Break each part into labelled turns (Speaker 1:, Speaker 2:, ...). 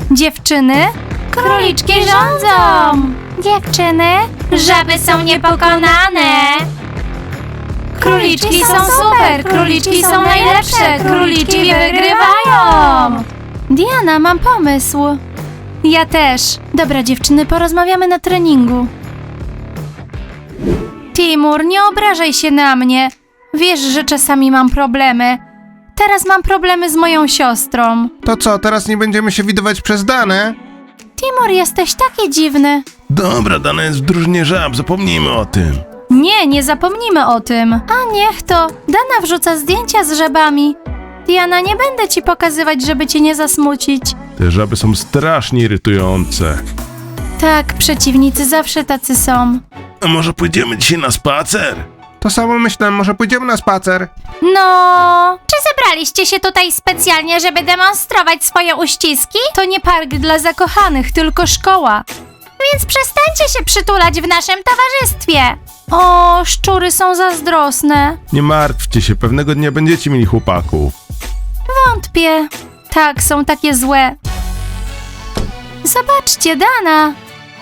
Speaker 1: Dziewczyny, króliczki rządzą! Dziewczyny, żaby są niepokonane! Króliczki są super! Króliczki są najlepsze! Króliczki wygrywają! Diana, mam pomysł. Ja też. Dobra, dziewczyny, porozmawiamy na treningu. Timur, nie obrażaj się na mnie. Wiesz, że czasami mam problemy. Teraz mam problemy z moją siostrą.
Speaker 2: To co, teraz nie będziemy się widywać przez Danę?
Speaker 1: Timur, jesteś taki dziwny.
Speaker 3: Dobra, Dana jest w drużynie żab, zapomnijmy o tym.
Speaker 1: Nie, nie zapomnimy o tym. A niech to. Dana wrzuca zdjęcia z żabami. Diana, nie będę ci pokazywać, żeby cię nie zasmucić.
Speaker 3: Te żaby są strasznie irytujące.
Speaker 1: Tak, przeciwnicy zawsze tacy są.
Speaker 3: A może pójdziemy dzisiaj na spacer?
Speaker 2: To samo myślę, może pójdziemy na spacer?
Speaker 1: No... Czy zebraliście się tutaj specjalnie, żeby demonstrować swoje uściski? To nie park dla zakochanych, tylko szkoła. Więc przestańcie się przytulać w naszym towarzystwie. O, szczury są zazdrosne.
Speaker 3: Nie martwcie się, pewnego dnia będziecie mieli chłopaków.
Speaker 1: Wątpię. Tak, są takie złe. Zobaczcie, Dana.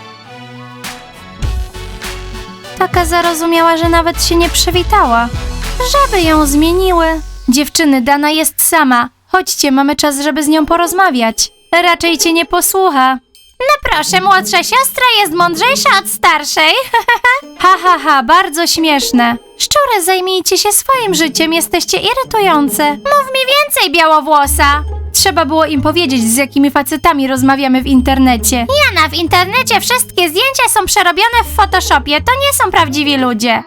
Speaker 1: Taka zarozumiała, że nawet się nie przywitała. Żaby ją zmieniły. Dziewczyny, Dana jest sama. Chodźcie, mamy czas, żeby z nią porozmawiać. Raczej cię nie posłucha. No proszę, młodsza siostra jest mądrzejsza od starszej. Ha, bardzo śmieszne. Szczury, zajmijcie się swoim życiem, jesteście irytujące. Mów mi więcej, białowłosa. Trzeba było im powiedzieć, z jakimi facetami rozmawiamy w internecie. Jana, w internecie wszystkie zdjęcia są przerobione w Photoshopie, to nie są prawdziwi ludzie.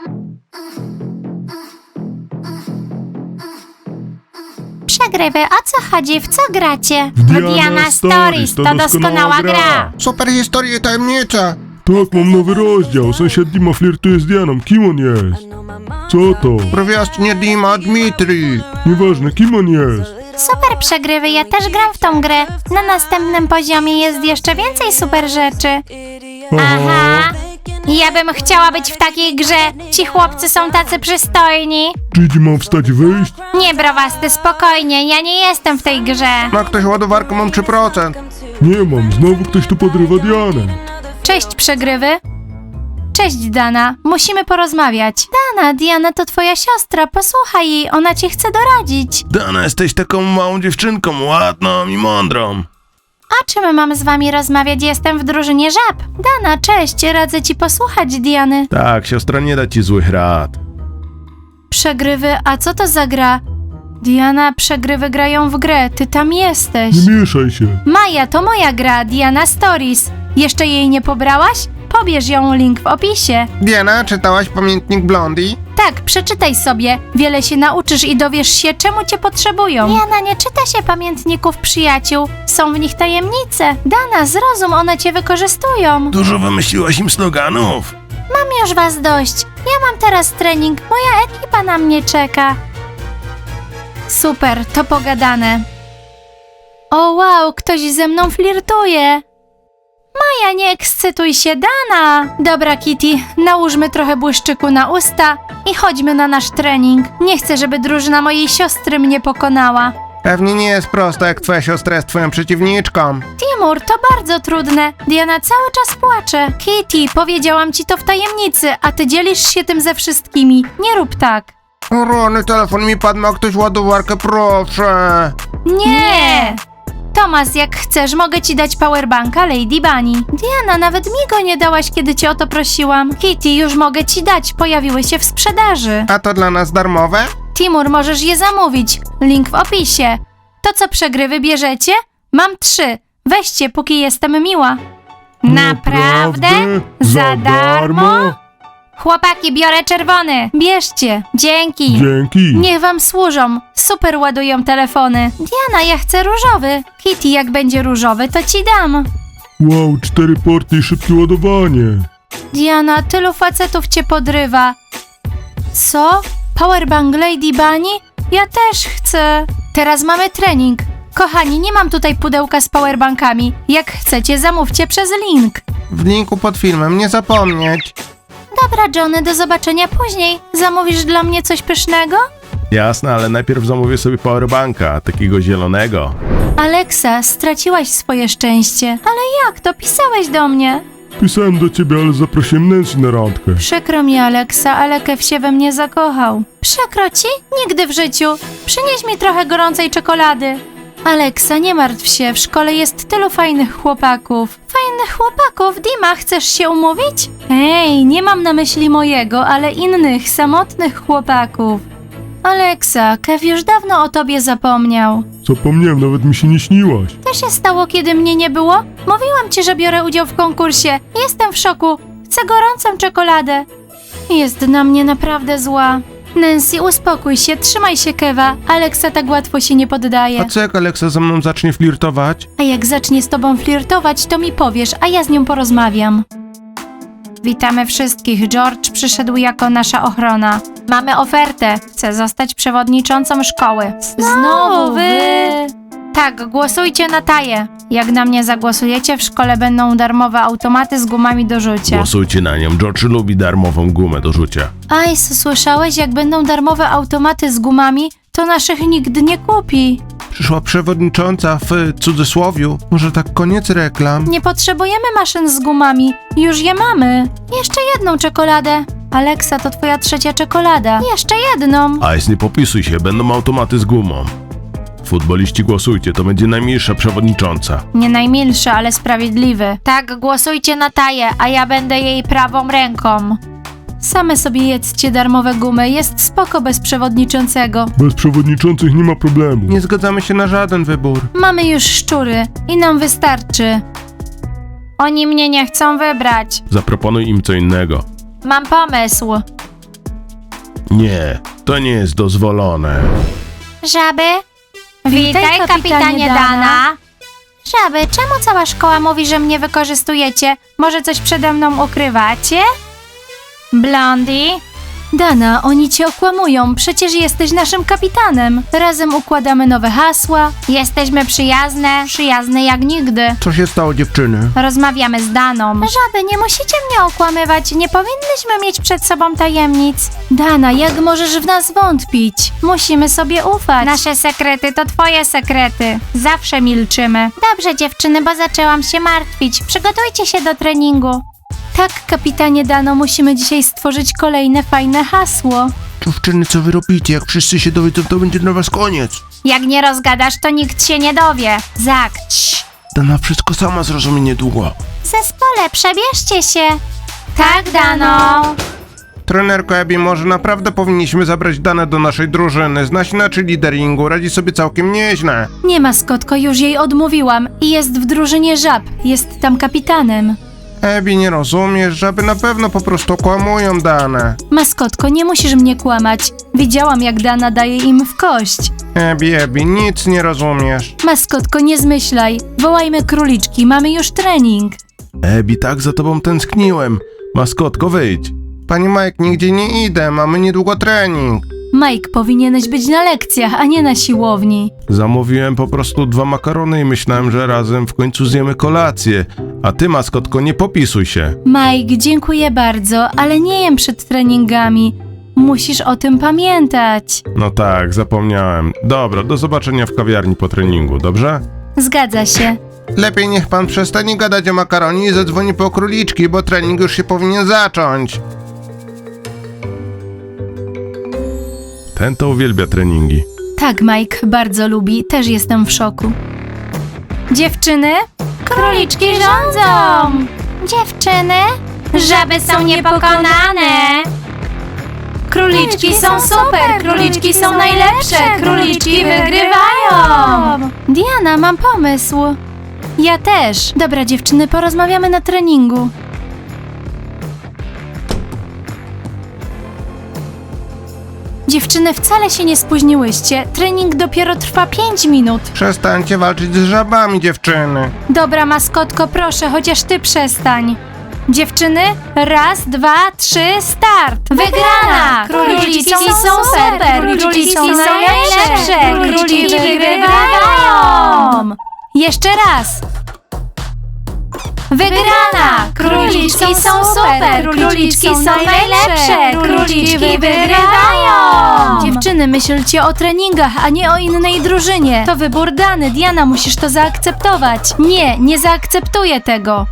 Speaker 1: Przegrywy, o co chodzi? W co gracie?
Speaker 3: W Diana Stories, to doskonała gra.
Speaker 2: Super historia i tajemnica.
Speaker 3: Tak, mam nowy rozdział. Sąsiad Dima flirtuje z Dianą. Kim on jest? Co to?
Speaker 2: Prowiastnie Dima, Dmitri.
Speaker 3: Nieważne, kim on jest?
Speaker 1: Super przegrywy, ja też gram w tą grę. Na następnym poziomie jest jeszcze więcej super rzeczy. Aha, ja bym chciała być w takiej grze. Ci chłopcy są tacy przystojni.
Speaker 3: Czy mam wstać i wyjść?
Speaker 1: Nie, browasty, spokojnie, ja nie jestem w tej grze.
Speaker 2: Ma ktoś ładowarkę, mam 3%.
Speaker 3: Nie mam, znowu ktoś tu podrywa Dianę.
Speaker 1: Cześć, przegrywy. Cześć, Dana. Musimy porozmawiać. Dana, Diana to twoja siostra. Posłuchaj jej, ona ci chce doradzić.
Speaker 3: Dana, jesteś taką małą dziewczynką, ładną i mądrą.
Speaker 1: O czym mam z wami rozmawiać? Jestem w drużynie żab. Dana, cześć. Radzę ci posłuchać Diany.
Speaker 3: Tak, siostra nie da ci złych rad.
Speaker 1: Przegrywy, a co to za gra? Diana, przegrywy grają w grę. Ty tam jesteś.
Speaker 3: Nie mieszaj się.
Speaker 1: Maja, to moja gra. Diana Stories. Jeszcze jej nie pobrałaś? Pobierz ją, link w opisie.
Speaker 2: Diana, czytałaś Pamiętnik Blondie?
Speaker 1: Tak, przeczytaj sobie. Wiele się nauczysz i dowiesz się, czemu cię potrzebują. Diana, nie czyta się pamiętników przyjaciół. Są w nich tajemnice. Dana, zrozum, one cię wykorzystują.
Speaker 3: Dużo wymyśliłaś im sloganów.
Speaker 1: Mam już was dość. Ja mam teraz trening. Moja ekipa na mnie czeka. Super, to pogadane. O wow, ktoś ze mną flirtuje. Maja, nie ekscytuj się, Dana! Dobra, Kitty, nałóżmy trochę błyszczyku na usta i chodźmy na nasz trening. Nie chcę, żeby drużyna mojej siostry mnie pokonała.
Speaker 2: Pewnie nie jest prosto, jak twoja siostra jest twoją przeciwniczką.
Speaker 1: Timur, to bardzo trudne. Diana cały czas płacze. Kitty, powiedziałam ci to w tajemnicy, a ty dzielisz się tym ze wszystkimi. Nie rób tak.
Speaker 2: O rany, telefon mi padł, ma ktoś ładowarkę, proszę.
Speaker 1: Nie! Tomas, jak chcesz, mogę ci dać powerbanka Lady Bunny. Diana, nawet mi go nie dałaś, kiedy cię o to prosiłam. Kitty, już mogę ci dać, pojawiły się w sprzedaży.
Speaker 2: A to dla nas darmowe?
Speaker 1: Timur, możesz je zamówić. Link w opisie. To co, przegrywy bierzecie? Mam 3. Weźcie, póki jestem miła. Naprawdę? Za darmo? Chłopaki, biorę czerwony. Bierzcie. Dzięki.
Speaker 3: Dzięki.
Speaker 1: Niech wam służą. Super ładują telefony. Diana, ja chcę różowy. Kitty, jak będzie różowy, to ci dam.
Speaker 3: Wow, 4 porty i szybkie ładowanie.
Speaker 1: Diana, tylu facetów cię podrywa. Co? Powerbank Lady Bunny? Ja też chcę. Teraz mamy trening. Kochani, nie mam tutaj pudełka z powerbankami. Jak chcecie, zamówcie przez link.
Speaker 2: W linku pod filmem, nie zapomnieć.
Speaker 1: Dobra, Johnny, do zobaczenia później. Zamówisz dla mnie coś pysznego?
Speaker 3: Jasne, ale najpierw zamówię sobie powerbanka, takiego zielonego.
Speaker 1: Aleksa, straciłaś swoje szczęście. Ale jak to? Pisałeś do mnie.
Speaker 3: Pisałem do ciebie, ale zaprosiłem Nancy na randkę.
Speaker 1: Przykro mi, Aleksa, ale Kev się we mnie zakochał. Przykro ci? Nigdy w życiu. Przynieś mi trochę gorącej czekolady. Aleksa, nie martw się, w szkole jest tylu fajnych chłopaków. Fajnych chłopaków? Dima, chcesz się umówić? Hej, nie mam na myśli mojego, ale innych, samotnych chłopaków. Aleksa, Kev już dawno o tobie zapomniał.
Speaker 3: Zapomniałem, nawet mi się nie śniłaś.
Speaker 1: Co się stało, kiedy mnie nie było? Mówiłam ci, że biorę udział w konkursie. Jestem w szoku. Chcę gorącą czekoladę. Jest na mnie naprawdę zła. Nancy, uspokój się, trzymaj się Keva. Aleksa tak łatwo się nie poddaje.
Speaker 2: A co jak Aleksa ze mną zacznie flirtować?
Speaker 1: A jak zacznie z tobą flirtować, to mi powiesz, a ja z nią porozmawiam. Witamy wszystkich. George przyszedł jako nasza ochrona. Mamy ofertę. Chcę zostać przewodniczącą szkoły. Znowu wy? Tak, głosujcie na Taję. Jak na mnie zagłosujecie, w szkole będą darmowe automaty z gumami do rzucia.
Speaker 2: Głosujcie na nią, George lubi darmową gumę do rzucia.
Speaker 1: Ice, słyszałeś? Jak będą darmowe automaty z gumami, to naszych nikt nie kupi.
Speaker 2: Przyszła przewodnicząca w cudzysłowiu. Może tak koniec reklam?
Speaker 1: Nie potrzebujemy maszyn z gumami. Już je mamy. Jeszcze jedną czekoladę. Aleksa, to twoja trzecia czekolada. Jeszcze jedną.
Speaker 2: Ice, nie popisuj się, będą automaty z gumą. Futboliści głosujcie, to będzie najmilsza przewodnicząca.
Speaker 1: Nie najmilszy, ale sprawiedliwy. Tak, głosujcie na Taję, a ja będę jej prawą ręką. Same sobie jedzcie darmowe gumy, jest spoko bez przewodniczącego.
Speaker 3: Bez przewodniczących nie ma problemu.
Speaker 2: Nie zgadzamy się na żaden wybór.
Speaker 1: Mamy już szczury i nam wystarczy. Oni mnie nie chcą wybrać.
Speaker 2: Zaproponuj im co innego.
Speaker 1: Mam pomysł.
Speaker 2: Nie, to nie jest dozwolone.
Speaker 1: Żaby? Witaj, kapitanie Dana. Żaby, czemu cała szkoła mówi, że mnie wykorzystujecie? Może coś przede mną ukrywacie? Blondie? Dana, oni cię okłamują, przecież jesteś naszym kapitanem. Razem układamy nowe hasła. Jesteśmy przyjazne jak nigdy.
Speaker 2: Co się stało, dziewczyny?
Speaker 1: Rozmawiamy z Daną. Żaby, nie musicie mnie okłamywać, nie powinnyśmy mieć przed sobą tajemnic. Dana, jak możesz w nas wątpić? Musimy sobie ufać. Nasze sekrety to twoje sekrety. Zawsze milczymy. Dobrze, dziewczyny, bo zaczęłam się martwić. Przygotujcie się do treningu. Tak, kapitanie Dano, musimy dzisiaj stworzyć kolejne fajne hasło.
Speaker 2: Dziewczyny, co wy robicie? Jak wszyscy się dowiedzą, to będzie dla was koniec.
Speaker 1: Jak nie rozgadasz, to nikt się nie dowie. Zak.
Speaker 2: Dana wszystko sama zrozumie niedługo.
Speaker 1: Zespole, przebierzcie się. Tak, Dano.
Speaker 2: Trenerko Abby, może naprawdę powinniśmy zabrać Danę do naszej drużyny. Zna się na cheerleaderingu, radzi sobie całkiem nieźle.
Speaker 1: Nie, maskotko, już jej odmówiłam i jest w drużynie żab. Jest tam kapitanem.
Speaker 2: Abby, nie rozumiesz, żaby na pewno po prostu kłamują Danę.
Speaker 1: Maskotko, nie musisz mnie kłamać. Widziałam, jak Dana daje im w kość.
Speaker 2: Abby, nic nie rozumiesz.
Speaker 1: Maskotko, nie zmyślaj. Wołajmy króliczki, mamy już trening.
Speaker 2: Abby, tak za tobą tęskniłem. Maskotko, wyjdź. Panie Mike, nigdzie nie idę, mamy niedługo trening.
Speaker 1: Mike, powinieneś być na lekcjach, a nie na siłowni.
Speaker 2: Zamówiłem po prostu 2 makarony i myślałem, że razem w końcu zjemy kolację. A ty, maskotko, nie popisuj się.
Speaker 1: Mike, dziękuję bardzo, ale nie jem przed treningami. Musisz o tym pamiętać.
Speaker 2: No tak, zapomniałem. Dobra, do zobaczenia w kawiarni po treningu, dobrze?
Speaker 1: Zgadza się.
Speaker 2: Lepiej niech pan przestanie gadać o makaronie i zadzwoni po króliczki, bo trening już się powinien zacząć. Ten to uwielbia treningi.
Speaker 1: Tak, Mike bardzo lubi, też jestem w szoku. Dziewczyny? Króliczki rządzą! Dziewczyny? Żaby są niepokonane! Króliczki są super! Króliczki są najlepsze! Króliczki wygrywają! Diana, mam pomysł. Ja też. Dobra, dziewczyny, porozmawiamy na treningu. Dziewczyny, wcale się nie spóźniłyście. Trening dopiero trwa 5 minut.
Speaker 2: Przestańcie walczyć z żabami, dziewczyny.
Speaker 1: Dobra, maskotko, proszę, chociaż ty przestań. Dziewczyny, 1, 2, 3, start! Wygrana! Króliczki są super! Króliczki są najlepsze! Króliczki wygrywają! Jeszcze raz! Wygrana! Króliczki są super! Króliczki są najlepsze! Króliczki wygrywają! Dziewczyny, myślcie o treningach, a nie o innej drużynie. To wybór Dany. Diana, musisz to zaakceptować. Nie, nie zaakceptuję tego.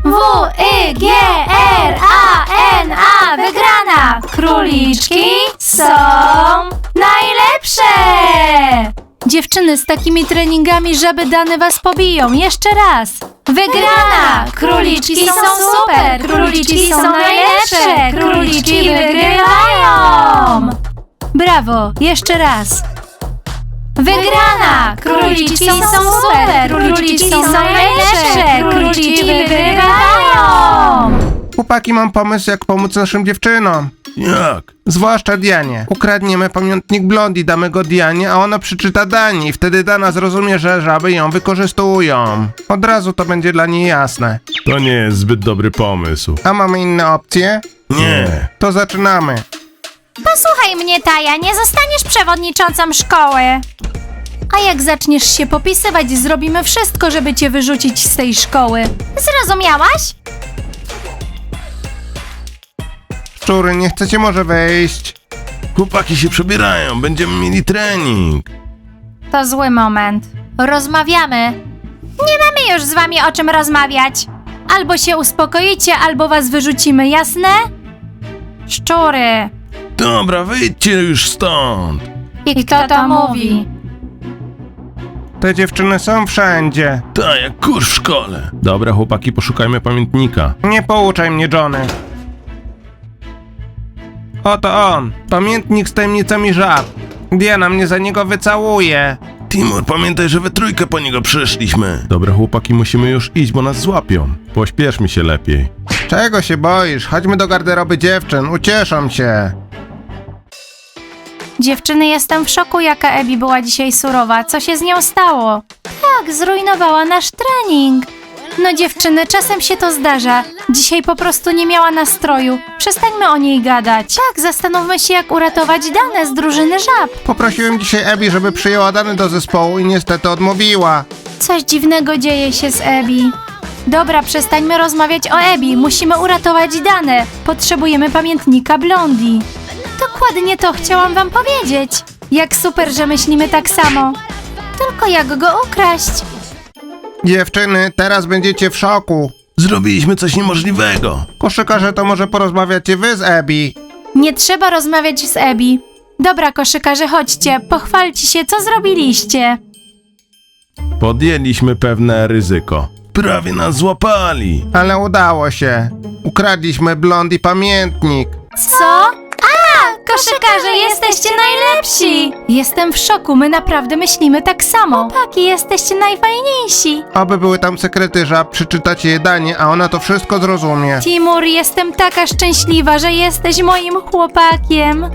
Speaker 1: W-I-G-R-A-N-A! Wygrana! Króliczki są najlepsze! Dziewczyny, z takimi treningami żaby Dany was pobiją. Jeszcze raz. Wygrana! Króliczki są super! Króliczki są najlepsze! Króliczki wygrywają! Brawo! Jeszcze raz. Wygrana! Króliczki są super! Króliczki są najlepsze! Króliczki wygrywają!
Speaker 2: Chłopaki, mam pomysł, jak pomóc naszym dziewczynom.
Speaker 3: Jak?
Speaker 2: Zwłaszcza Dianie. Ukradniemy pamiętnik Blondie, damy go Dianie, a ona przeczyta Dani. Wtedy Dana zrozumie, że żaby ją wykorzystują. Od razu to będzie dla niej jasne.
Speaker 3: To nie jest zbyt dobry pomysł.
Speaker 2: A mamy inne opcje?
Speaker 3: Nie.
Speaker 2: To zaczynamy.
Speaker 1: Posłuchaj mnie, Taja, nie zostaniesz przewodniczącą szkoły. A jak zaczniesz się popisywać, zrobimy wszystko, żeby cię wyrzucić z tej szkoły. Zrozumiałaś?
Speaker 2: Szczury, nie chcecie może wejść?
Speaker 3: Chłopaki się przebierają, będziemy mieli trening.
Speaker 1: To zły moment. Rozmawiamy. Nie mamy już z wami o czym rozmawiać. Albo się uspokoicie, albo was wyrzucimy, jasne? Szczury.
Speaker 3: Dobra, wyjdźcie już stąd.
Speaker 1: I kto to mówi?
Speaker 2: Te dziewczyny są wszędzie.
Speaker 3: Tak, jak kurz w szkole. Dobra, chłopaki, poszukajmy pamiętnika.
Speaker 2: Nie pouczaj mnie, Johnny. Oto on. Pamiętnik z tajemnicami żab. Diana mnie za niego wycałuje.
Speaker 3: Timur, pamiętaj, że we trójkę po niego przyszliśmy. Dobra, chłopaki, musimy już iść, bo nas złapią. Pośpieszmy się lepiej.
Speaker 2: Czego się boisz? Chodźmy do garderoby dziewczyn, ucieszą się.
Speaker 1: Dziewczyny, jestem w szoku, jaka Ebi była dzisiaj surowa. Co się z nią stało? Tak, zrujnowała nasz trening. No dziewczyny, czasem się to zdarza. Dzisiaj po prostu nie miała nastroju. Przestańmy o niej gadać. Tak, zastanówmy się, jak uratować Danę z drużyny żab.
Speaker 2: Poprosiłem dzisiaj Ebi, żeby przyjęła Dany do zespołu i niestety odmówiła.
Speaker 1: Coś dziwnego dzieje się z Ebi. Dobra, przestańmy rozmawiać o Ebi. Musimy uratować Danę. Potrzebujemy pamiętnika Blondie. Dokładnie to chciałam wam powiedzieć. Jak super, że myślimy tak samo. Tylko jak go ukraść?
Speaker 2: Dziewczyny, teraz będziecie w szoku.
Speaker 3: Zrobiliśmy coś niemożliwego.
Speaker 2: Koszykarze, to może porozmawiacie wy z Ebi.
Speaker 1: Nie trzeba rozmawiać z Ebi. Dobra, koszykarze, chodźcie. Pochwalcie się, co zrobiliście.
Speaker 3: Podjęliśmy pewne ryzyko. Prawie nas złapali.
Speaker 2: Ale udało się. Ukradliśmy Blondie pamiętnik.
Speaker 1: Co? Koszykarze, jesteście najlepsi! Jestem w szoku, my naprawdę myślimy tak samo. Chłopaki, jesteście najfajniejsi.
Speaker 2: Oby były tam sekrety żab, przeczytacie je Danie, a ona to wszystko zrozumie.
Speaker 1: Timur, jestem taka szczęśliwa, że jesteś moim chłopakiem.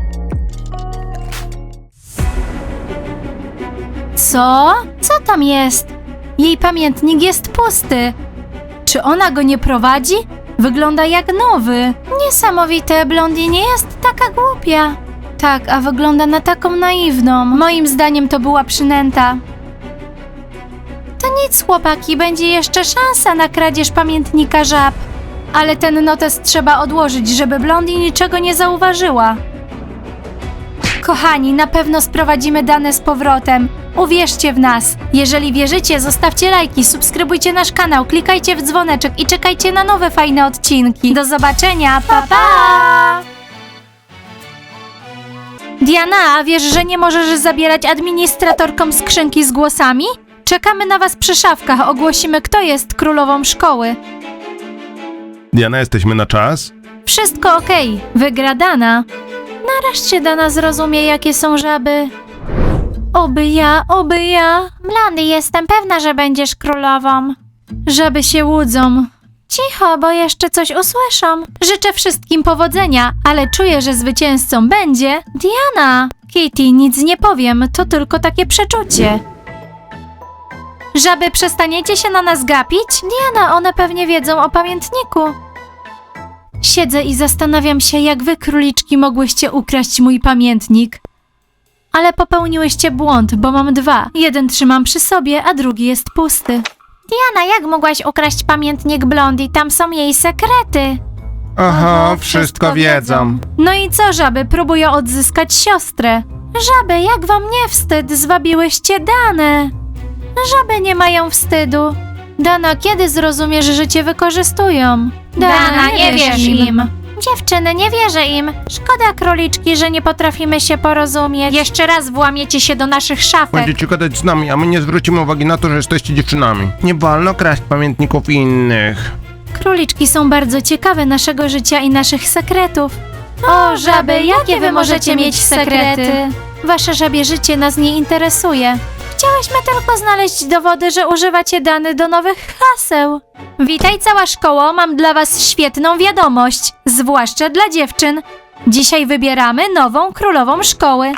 Speaker 1: Co? Co tam jest? Jej pamiętnik jest pusty. Czy ona go nie prowadzi? Wygląda jak nowy. Niesamowite, Blondie nie jest taka głupia. Tak, a wygląda na taką naiwną. Moim zdaniem to była przynęta. To nic, chłopaki, będzie jeszcze szansa na kradzież pamiętnika żab. Ale ten notes trzeba odłożyć, żeby Blondie niczego nie zauważyła. Kochani, na pewno sprowadzimy Danę z powrotem. Uwierzcie w nas. Jeżeli wierzycie, zostawcie lajki, subskrybujcie nasz kanał, klikajcie w dzwoneczek i czekajcie na nowe fajne odcinki. Do zobaczenia, pa pa! Diana, a wiesz, że nie możesz zabierać administratorkom skrzynki z głosami? Czekamy na was przy szafkach, ogłosimy, kto jest królową szkoły.
Speaker 3: Diana, jesteśmy na czas?
Speaker 1: Wszystko okej, wygra Dana. Nareszcie Dana zrozumie, jakie są żaby. Oby ja, oby ja. Blondie, jestem pewna, że będziesz królową. Żaby się łudzą. Cicho, bo jeszcze coś usłyszą. Życzę wszystkim powodzenia, ale czuję, że zwycięzcą będzie Diana. Kitty, nic nie powiem, to tylko takie przeczucie. Żaby, przestaniecie się na nas gapić? Diana, one pewnie wiedzą o pamiętniku. Siedzę i zastanawiam się, jak wy, króliczki, mogłyście ukraść mój pamiętnik. Ale popełniłyście błąd, bo mam dwa. Jeden trzymam przy sobie, a drugi jest pusty. Diana, jak mogłaś ukraść pamiętnik Blondie? Tam są jej sekrety.
Speaker 2: Oho, wszystko wiedzą.
Speaker 1: No i co, żaby? Próbują odzyskać siostrę. Żaby, jak wam nie wstyd? Zwabiłyście Danę. Żaby nie mają wstydu. Dana, kiedy zrozumiesz, że cię wykorzystują? Dana, nie wierz im. Dziewczyny, nie wierzę im. Szkoda, króliczki, że nie potrafimy się porozumieć. Jeszcze raz włamiecie się do naszych szafek.
Speaker 2: Będziecie gadać z nami, a my nie zwrócimy uwagi na to, że jesteście dziewczynami. Nie wolno kraść pamiętników innych.
Speaker 1: Króliczki są bardzo ciekawe naszego życia i naszych sekretów. O, żaby, jakie wy możecie mieć sekrety? Wasze żabie życie nas nie interesuje. Chciałyśmy tylko znaleźć dowody, że używacie Dany do nowych haseł. Witaj cała szkoło, mam dla was świetną wiadomość, zwłaszcza dla dziewczyn. Dzisiaj wybieramy nową królową szkoły.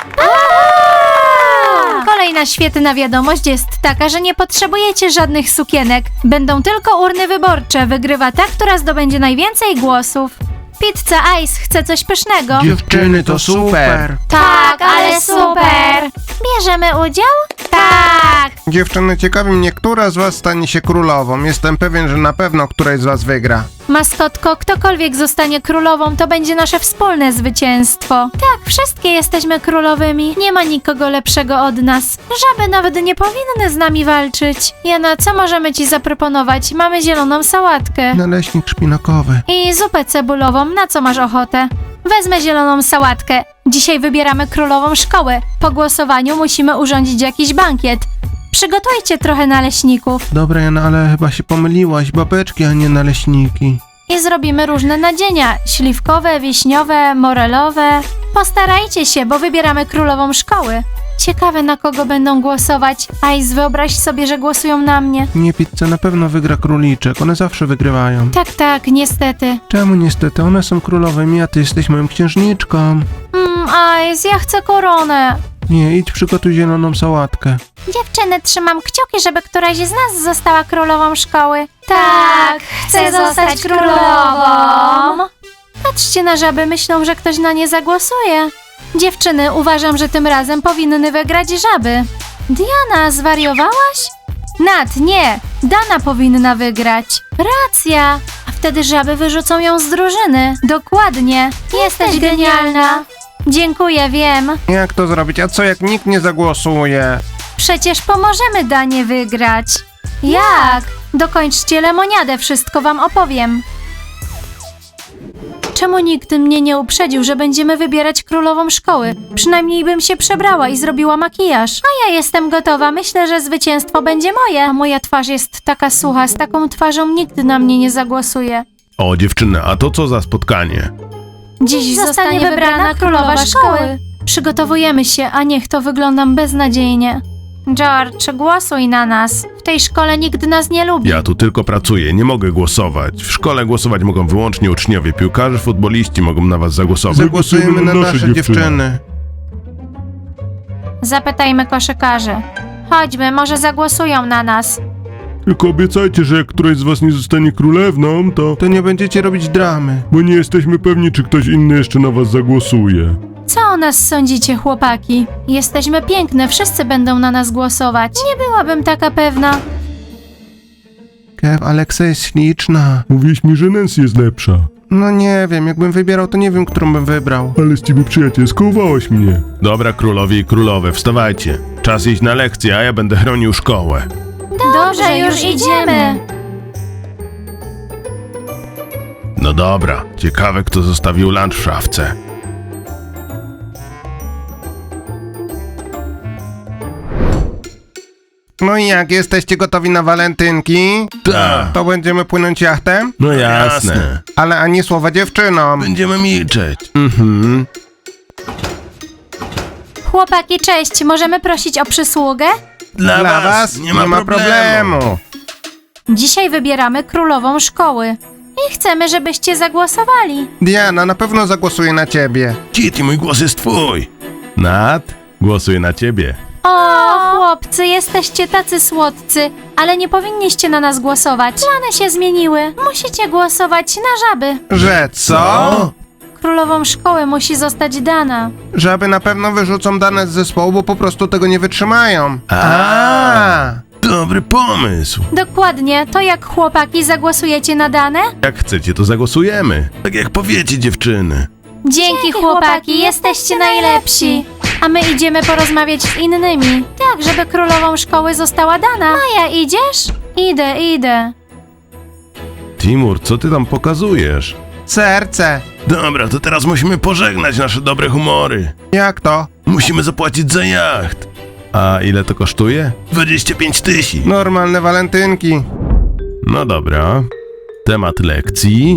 Speaker 1: Kolejna świetna wiadomość jest taka, że nie potrzebujecie żadnych sukienek. Będą tylko urny wyborcze. Wygrywa ta, która zdobędzie najwięcej głosów. Pizza Ice chce coś pysznego.
Speaker 2: Dziewczyny, to super.
Speaker 1: Tak, ale super! Bierzemy udział? Tak!
Speaker 2: Dziewczyny, ciekawi mnie, która z was stanie się królową. Jestem pewien, że na pewno któraś z was wygra.
Speaker 1: Maskotko, ktokolwiek zostanie królową, to będzie nasze wspólne zwycięstwo. Tak, wszystkie jesteśmy królowymi. Nie ma nikogo lepszego od nas. Żaby nawet nie powinny z nami walczyć. Jana, co możemy ci zaproponować? Mamy zieloną sałatkę.
Speaker 2: Naleśnik szpinakowy.
Speaker 1: I zupę cebulową, na co masz ochotę? Wezmę zieloną sałatkę. Dzisiaj wybieramy królową szkoły. Po głosowaniu musimy urządzić jakiś bankiet. Przygotujcie trochę naleśników.
Speaker 2: Dobra, Jana, ale chyba się pomyliłaś. Babeczki, a nie naleśniki.
Speaker 1: I zrobimy różne nadzienia. Śliwkowe, wiśniowe, morelowe. Postarajcie się, bo wybieramy królową szkoły. Ciekawe, na kogo będą głosować. Ice, wyobraź sobie, że głosują na mnie.
Speaker 2: Nie, pizza, na pewno wygra króliczek. One zawsze wygrywają.
Speaker 1: Tak, niestety.
Speaker 2: Czemu niestety? One są królowymi, a ty jesteś moją księżniczką.
Speaker 1: Ice, ja chcę koronę.
Speaker 2: Nie, idź przygotuj zieloną sałatkę.
Speaker 1: Dziewczyny, trzymam kciuki, żeby któraś z nas została królową szkoły. Tak, chcę zostać królową. Patrzcie na żaby, myślą, że ktoś na nie zagłosuje. Dziewczyny, uważam, że tym razem powinny wygrać żaby. Diana, zwariowałaś? Nat, nie, Dana powinna wygrać. Racja. A wtedy żaby wyrzucą ją z drużyny. Dokładnie. Jesteś genialna. Dziękuję, wiem.
Speaker 2: Jak to zrobić? A co jak nikt nie zagłosuje?
Speaker 1: Przecież pomożemy Danie wygrać. Jak? Dokończcie lemoniadę, wszystko wam opowiem. Czemu nikt mnie nie uprzedził, że będziemy wybierać królową szkoły? Przynajmniej bym się przebrała i zrobiła makijaż. A ja jestem gotowa, myślę, że zwycięstwo będzie moje. A moja twarz jest taka sucha, z taką twarzą nikt na mnie nie zagłosuje.
Speaker 3: O, dziewczyny, a to co za spotkanie?
Speaker 1: Dziś zostanie wybrana królowa szkoły. Przygotowujemy się, a niech to wyglądam beznadziejnie. George, głosuj na nas. W tej szkole nikt nas nie lubi.
Speaker 3: Ja tu tylko pracuję, nie mogę głosować. W szkole głosować mogą wyłącznie uczniowie, piłkarze, futboliści mogą na was zagłosować.
Speaker 2: Zagłosujemy na nasze dziewczyny.
Speaker 1: Zapytajmy koszykarzy. Chodźmy, może zagłosują na nas.
Speaker 3: Tylko obiecajcie, że jak któraś z was nie zostanie królewną,
Speaker 2: To nie będziecie robić dramy.
Speaker 3: bo nie jesteśmy pewni, czy ktoś inny jeszcze na was zagłosuje.
Speaker 1: Co o nas sądzicie, chłopaki? Jesteśmy piękne, wszyscy będą na nas głosować. Nie byłabym taka pewna.
Speaker 2: Kev, Aleksa jest śliczna.
Speaker 3: Mówiłeś mi, że Nancy jest lepsza.
Speaker 2: No nie wiem, jakbym wybierał, to nie wiem, którą bym wybrał.
Speaker 3: Ale z ciebie przyjacielsko uwałaś mnie. Dobra, królowie i królowe, wstawajcie. Czas iść na lekcję, a ja będę chronił szkołę.
Speaker 1: Dobrze, już idziemy.
Speaker 3: No dobra, ciekawe kto zostawił lunch w szafce.
Speaker 2: No i jak, jesteście gotowi na walentynki?
Speaker 3: Tak.
Speaker 2: To będziemy płynąć jachtem?
Speaker 3: No jasne.
Speaker 2: Ale ani słowa dziewczynom.
Speaker 3: Będziemy milczeć.
Speaker 1: Chłopaki, cześć, możemy prosić o przysługę?
Speaker 2: Dla was nie ma problemu.
Speaker 1: Dzisiaj wybieramy królową szkoły. I chcemy, żebyście zagłosowali.
Speaker 2: Diana, na pewno zagłosuje na ciebie.
Speaker 3: Kitty, mój głos jest twój. Nat, głosuję na ciebie.
Speaker 1: O, chłopcy, jesteście tacy słodcy, ale nie powinniście na nas głosować. Plany się zmieniły. Musicie głosować na żaby.
Speaker 2: Że co?
Speaker 1: Królową szkoły musi zostać Dana.
Speaker 2: Żaby na pewno wyrzucą dane z zespołu, bo po prostu tego nie wytrzymają.
Speaker 3: Dobry pomysł.
Speaker 1: Dokładnie, to jak chłopaki zagłosujecie na Danę?
Speaker 3: Jak chcecie, to zagłosujemy. Tak jak powiecie, dziewczyny.
Speaker 1: Dzięki chłopaki, jesteście najlepsi. A my idziemy porozmawiać z innymi. Tak, żeby królową szkoły została Dana. Maja, idziesz? Idę.
Speaker 3: Timur, co ty tam pokazujesz?
Speaker 2: Serce.
Speaker 3: Dobra, to teraz musimy pożegnać nasze dobre humory.
Speaker 2: Jak to?
Speaker 3: Musimy zapłacić za jacht. A ile to kosztuje? 25 000.
Speaker 2: Normalne walentynki.
Speaker 3: No dobra. Temat lekcji.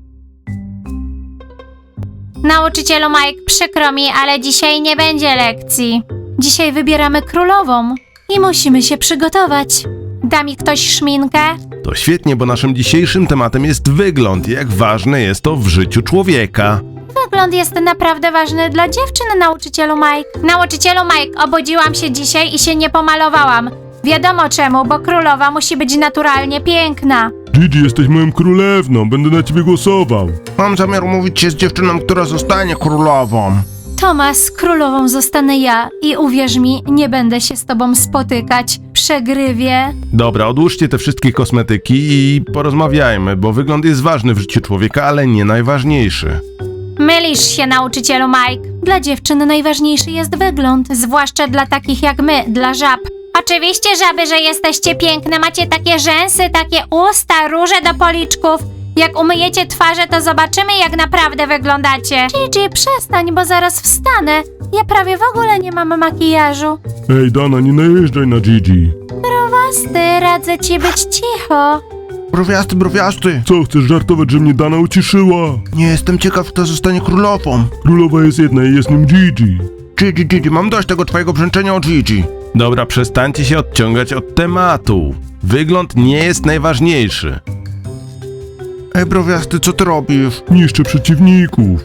Speaker 1: Nauczycielu Mike, przykro mi, ale dzisiaj nie będzie lekcji. Dzisiaj wybieramy królową i musimy się przygotować. Da mi ktoś szminkę?
Speaker 3: To świetnie, bo naszym dzisiejszym tematem jest wygląd i jak ważne jest to w życiu człowieka.
Speaker 1: Wygląd jest naprawdę ważny dla dziewczyn, nauczycielu Mike. Nauczycielu Mike, obudziłam się dzisiaj i się nie pomalowałam. Wiadomo czemu, bo królowa musi być naturalnie piękna.
Speaker 3: Gigi, jesteś moją królewną, będę na ciebie głosował.
Speaker 2: Mam zamiar umówić się z dziewczyną, która zostanie królową.
Speaker 1: Tomas, królową zostanę ja i uwierz mi, nie będę się z tobą spotykać. Przegrywie.
Speaker 3: Dobra, odłóżcie te wszystkie kosmetyki i porozmawiajmy, bo wygląd jest ważny w życiu człowieka, ale nie najważniejszy.
Speaker 1: Mylisz się, nauczycielu Mike. Dla dziewczyny najważniejszy jest wygląd, zwłaszcza dla takich jak my, dla żab. Oczywiście, żaby, że jesteście piękne, macie takie rzęsy, takie usta, róże do policzków. Jak umyjecie twarze, to zobaczymy, jak naprawdę wyglądacie. Gigi, przestań, bo zaraz wstanę. Ja prawie w ogóle nie mam makijażu.
Speaker 3: Ej, Dana, nie najeżdżaj na Gigi.
Speaker 1: Browasty, radzę ci być cicho.
Speaker 2: Browiasty.
Speaker 3: Co, chcesz żartować, że mnie Dana uciszyła?
Speaker 2: Nie jestem ciekaw, kto zostanie królową.
Speaker 3: Królowa jest jedna i jest nim Gigi.
Speaker 2: Gigi, mam dość tego twojego brzęczenia o Gigi.
Speaker 3: Dobra, przestańcie się odciągać od tematu. Wygląd nie jest najważniejszy.
Speaker 2: Ej, browiasty, co ty robisz?
Speaker 3: Niszczę przeciwników.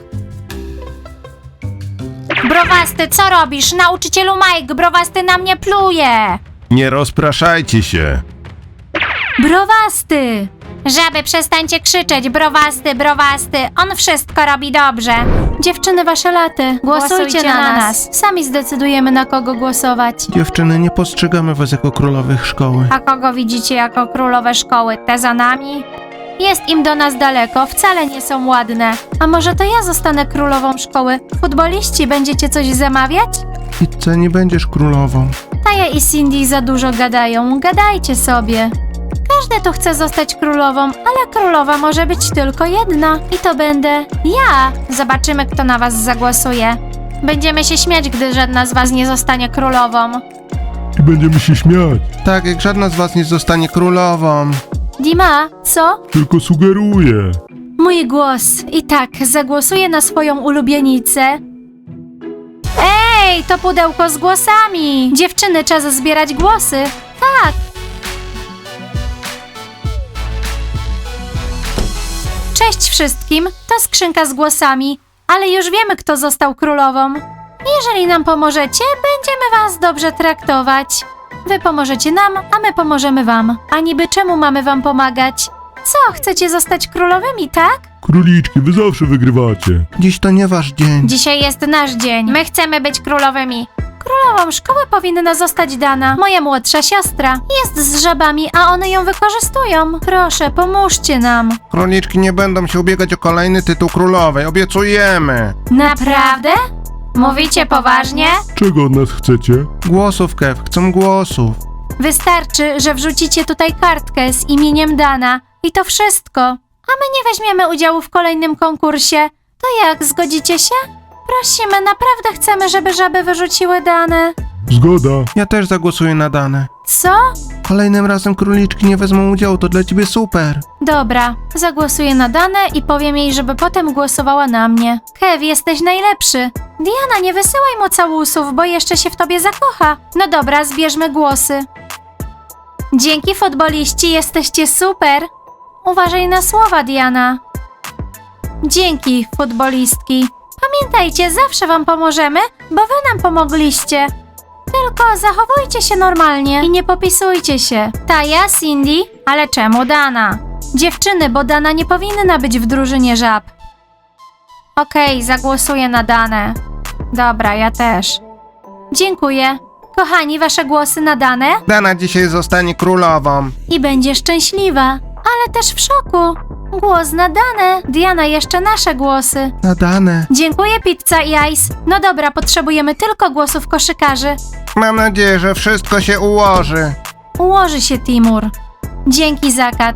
Speaker 1: Browasty, co robisz? Nauczycielu Mike, browasty na mnie pluje.
Speaker 3: Nie rozpraszajcie się.
Speaker 1: Browasty! Żaby, przestańcie krzyczeć, browasty, on wszystko robi dobrze. Dziewczyny, wasze laty, głosujcie na nas. Sami zdecydujemy, na kogo głosować.
Speaker 2: Dziewczyny, nie postrzegamy was jako królowych szkoły.
Speaker 1: A kogo widzicie jako królowe szkoły? Te za nami? Jest im do nas daleko, wcale nie są ładne. A może to ja zostanę królową szkoły? Futboliści, będziecie coś zamawiać?
Speaker 2: Pizza, nie będziesz królową.
Speaker 1: Taja i Cindy za dużo gadają, gadajcie sobie. Każdy tu chce zostać królową, ale królowa może być tylko jedna. I to będę ja. Zobaczymy, kto na was zagłosuje. Będziemy się śmiać, gdy żadna z was nie zostanie królową.
Speaker 3: I będziemy się śmiać.
Speaker 2: Tak, jak żadna z was nie zostanie królową.
Speaker 1: Dima, co?
Speaker 3: Tylko sugeruję.
Speaker 1: Mój głos. I tak, zagłosuję na swoją ulubienicę. Ej, to pudełko z głosami. Dziewczyny, czas zbierać głosy. Tak. Cześć wszystkim, to skrzynka z głosami, ale już wiemy, kto został królową. Jeżeli nam pomożecie, będziemy was dobrze traktować. Wy pomożecie nam, a my pomożemy wam. A niby czemu mamy wam pomagać? Co, chcecie zostać królowymi, tak?
Speaker 3: Króliczki, wy zawsze wygrywacie.
Speaker 2: Dziś to nie wasz dzień.
Speaker 1: Dzisiaj jest nasz dzień. My chcemy być królowymi. Królową szkoły powinna zostać Dana, moja młodsza siostra. Jest z żabami, a one ją wykorzystują. Proszę, pomóżcie nam.
Speaker 2: Króliczki nie będą się ubiegać o kolejny tytuł królowej, obiecujemy.
Speaker 1: Naprawdę? Mówicie poważnie?
Speaker 3: Czego od nas chcecie?
Speaker 2: Głosów, Kev, chcą głosów.
Speaker 1: Wystarczy, że wrzucicie tutaj kartkę z imieniem Dana i to wszystko. A my nie weźmiemy udziału w kolejnym konkursie. To jak, zgodzicie się? Prosimy, naprawdę chcemy, żeby żaby wyrzuciły Danę.
Speaker 3: Zgoda.
Speaker 2: Ja też zagłosuję na Danę.
Speaker 1: Co?
Speaker 2: Kolejnym razem króliczki nie wezmą udziału, to dla ciebie super.
Speaker 1: Dobra, zagłosuję na Danę i powiem jej, żeby potem głosowała na mnie. Kev, jesteś najlepszy. Diana, nie wysyłaj mu całusów, bo jeszcze się w tobie zakocha. No dobra, zbierzmy głosy. Dzięki, futboliści, jesteście super. Uważaj na słowa, Diana. Dzięki, futbolistki. Pamiętajcie, zawsze wam pomożemy, bo wy nam pomogliście. Tylko zachowujcie się normalnie i nie popisujcie się. Taja, Cindy, ale czemu Dana? Dziewczyny, bo Dana nie powinna być w drużynie żab. Okej, zagłosuję na Danę. Dobra, ja też. Dziękuję. Kochani, wasze głosy na Danę?
Speaker 2: Dana dzisiaj zostanie królową.
Speaker 1: I będzie szczęśliwa, ale też w szoku. Głos na Danę. Diana, jeszcze nasze głosy.
Speaker 2: Na Danę.
Speaker 1: Dziękuję, Pizza i Ice. No dobra, potrzebujemy tylko głosów koszykarzy.
Speaker 2: Mam nadzieję, że wszystko się ułoży.
Speaker 1: Ułoży się, Timur. Dzięki, Zakat.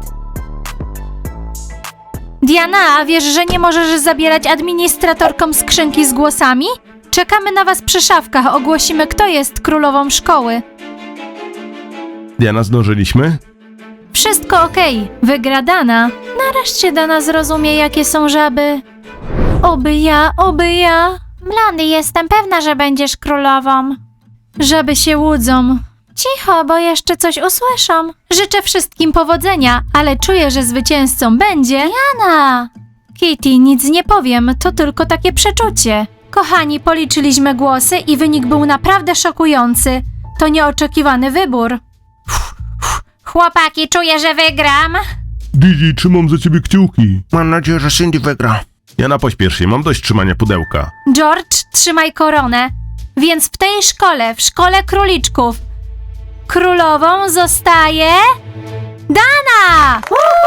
Speaker 1: Diana, a wiesz, że nie możesz zabierać administratorkom skrzynki z głosami? Czekamy na was przy szafkach, ogłosimy, kto jest królową szkoły.
Speaker 3: Diana, zdążyliśmy?
Speaker 1: Wszystko okej, wygra Dana. Nareszcie Dana zrozumie, jakie są żaby. Oby ja, oby ja. Blondy, jestem pewna, że będziesz królową. Żaby się łudzą. Cicho, bo jeszcze coś usłyszą. Życzę wszystkim powodzenia, ale czuję, że zwycięzcą będzie Jana. Kitty, nic nie powiem, to tylko takie przeczucie. Kochani, policzyliśmy głosy i wynik był naprawdę szokujący. To nieoczekiwany wybór. Chłopaki, czuję, że wygram.
Speaker 3: Didi, trzymam za ciebie kciuki.
Speaker 2: Mam nadzieję, że Cindy wygra.
Speaker 3: Jana, pośpiesz się, mam dość trzymania pudełka.
Speaker 1: George, trzymaj koronę. Więc w tej szkole, w szkole króliczków, królową zostaje Dana!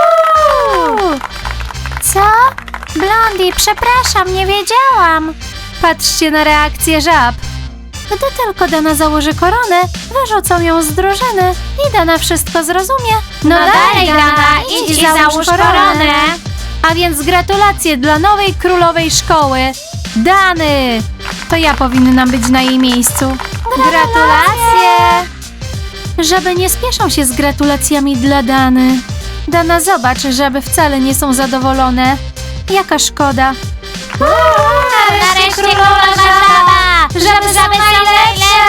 Speaker 1: Co? Blondie, przepraszam, nie wiedziałam. Patrzcie na reakcję żab. Gdy tylko Dana założy koronę, wyrzucą ją z drużyny i Dana wszystko zrozumie. No dalej, Dana, idź i załóż koronę. A więc gratulacje dla nowej królowej szkoły, Dany. To ja powinnam być na jej miejscu. Gratulacje! Żaby nie spieszą się z gratulacjami dla Dany. Dana, zobacz, żaby wcale nie są zadowolone. Jaka szkoda.
Speaker 4: Nareszcie królowa żaba!
Speaker 1: Żaby są najlepsze!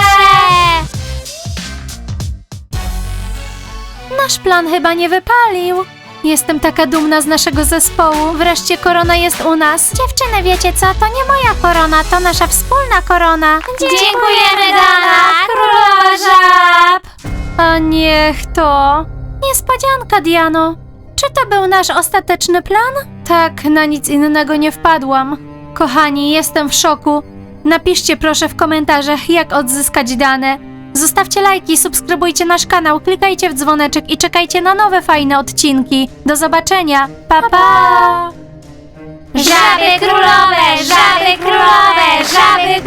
Speaker 1: Nasz plan chyba nie wypalił. Jestem taka dumna z naszego zespołu. Wreszcie korona jest u nas.
Speaker 4: Dziewczyny, wiecie co? To nie moja korona, to nasza wspólna korona.
Speaker 1: Dziękujemy, Dana, królowa żab! A niech to... Niespodzianka, Diano. Czy to był nasz ostateczny plan? Tak, na nic innego nie wpadłam. Kochani, jestem w szoku. Napiszcie proszę w komentarzach, jak odzyskać dane. Zostawcie lajki, subskrybujcie nasz kanał, klikajcie w dzwoneczek i czekajcie na nowe fajne odcinki. Do zobaczenia. Pa, pa!
Speaker 4: Żaby królowe, żaby królowe, żaby